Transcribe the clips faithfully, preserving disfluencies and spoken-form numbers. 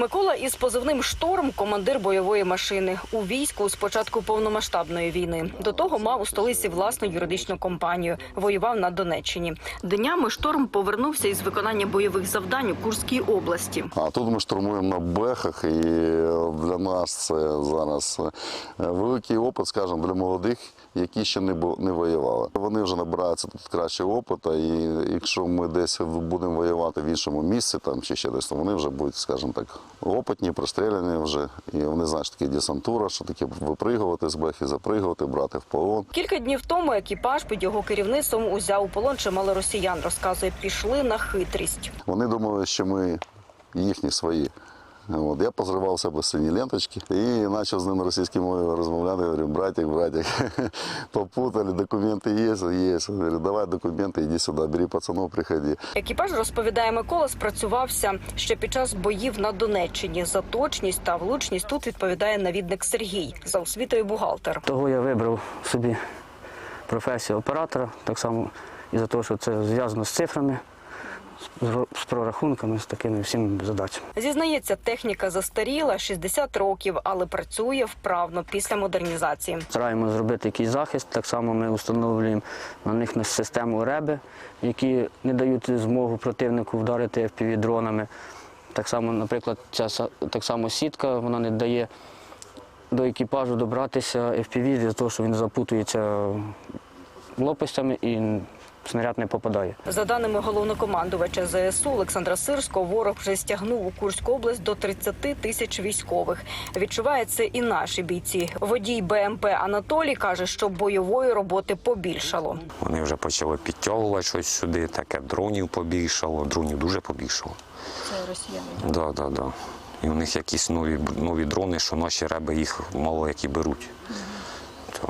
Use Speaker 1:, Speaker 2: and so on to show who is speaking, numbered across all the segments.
Speaker 1: Микола із позивним «Шторм» – командир бойової машини. У війську з початку повномасштабної війни. До того мав у столиці власну юридичну компанію. Воював на Донеччині. Днями «Шторм» повернувся із виконання бойових завдань у Курській області.
Speaker 2: А тут ми штурмуємо на бехах, і для нас це зараз великий опит, скажімо, для молодих, які ще не воювали. Вони вже набираються тут кращого опиту, і якщо ми десь будемо воювати в іншому місці, там чи ще десь, то вони вже будуть, скажімо так, опитні, пристріляні вже. І вони знають, що таке десантура, що таке випригувати з бехи, запригувати, брати в полон.
Speaker 1: Кілька днів тому екіпаж під його керівництвом узяв у полон чимало росіян. Розказує, пішли на хитрість.
Speaker 2: Вони думали, що ми їхні свої. От, я позривав себе сині ленточки і почав з ними російською мовою розмовляти. Говорю, братик, братик, попутали, документи є, є. Говорю, давай документи, йди сюди, бери пацанов, приходи.
Speaker 1: Екіпаж, розповідає Микола, спрацювався ще під час боїв на Донеччині. За точність та влучність тут відповідає навідник Сергій, за освітою бухгалтер.
Speaker 3: Того я вибрав собі професію оператора, так само і за те, що це зв'язано з цифрами, з прорахунками, з такими всіми задачами.
Speaker 1: Зізнається, техніка застаріла, шістдесят років, але працює вправно після модернізації.
Speaker 3: Стараємося зробити якийсь захист, так само ми встановлюємо на них систему реби, які не дають змогу противнику вдарити еф пі ві-дронами. Так само, наприклад, ця так само сітка, вона не дає до екіпажу добратися еф пі ві, для того, що він запутується лопастями і снаряд не попадає.
Speaker 1: За даними головнокомандувача зе ес у Олександра Сирського, ворог вже стягнув у Курську область до тридцяти тисяч військових. Відчувають це і наші бійці. Водій бе ем пе Анатолій каже, що бойової роботи побільшало.
Speaker 4: Вони вже почали підтягувати щось сюди, таке дронів побільшало, дронів дуже побільшало.
Speaker 1: Це росіяни?
Speaker 4: Так, да, так, да, так. Да. І у них якісь нові, нові дрони, що наші реби їх мало які беруть. То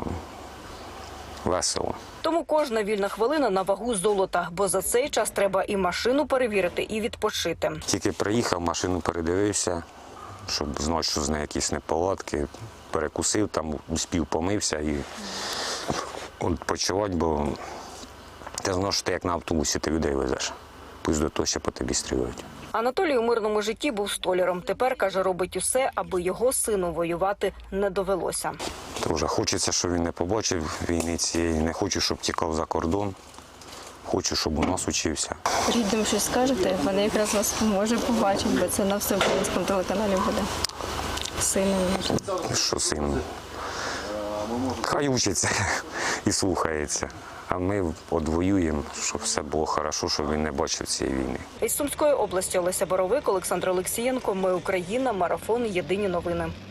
Speaker 4: весело.
Speaker 1: Тому кожна вільна хвилина на вагу золота, бо за цей час треба і машину перевірити, і відпочити.
Speaker 4: Тільки приїхав, машину передивився, щоб знати, що з нею якісь неполадки, перекусив, там спів помився і відпочивати, бо ти знаєш, що ти як на автобусі ти людей везеш, пусть до того ще по тобі стрілюють.
Speaker 1: Анатолій у мирному житті був столяром. Тепер, каже, робить усе, аби його сину воювати не довелося.
Speaker 4: Дуже хочеться, щоб він не побачив війни цієї, не хочу, щоб тікав за кордон, хочу, щоб у нас учився.
Speaker 5: Рідним щось скажете, вони якраз вас може побачити, бо це на всеукраїнському телеканалі буде. Сину.
Speaker 4: Що син? Хай учиться і слухається. А ми одвоюємо, щоб все було добре, щоб він не бачив цієї війни.
Speaker 1: Із Сумської області Олеся Боровик, Олександр Олексієнко. Ми Україна. Марафон. Єдині новини.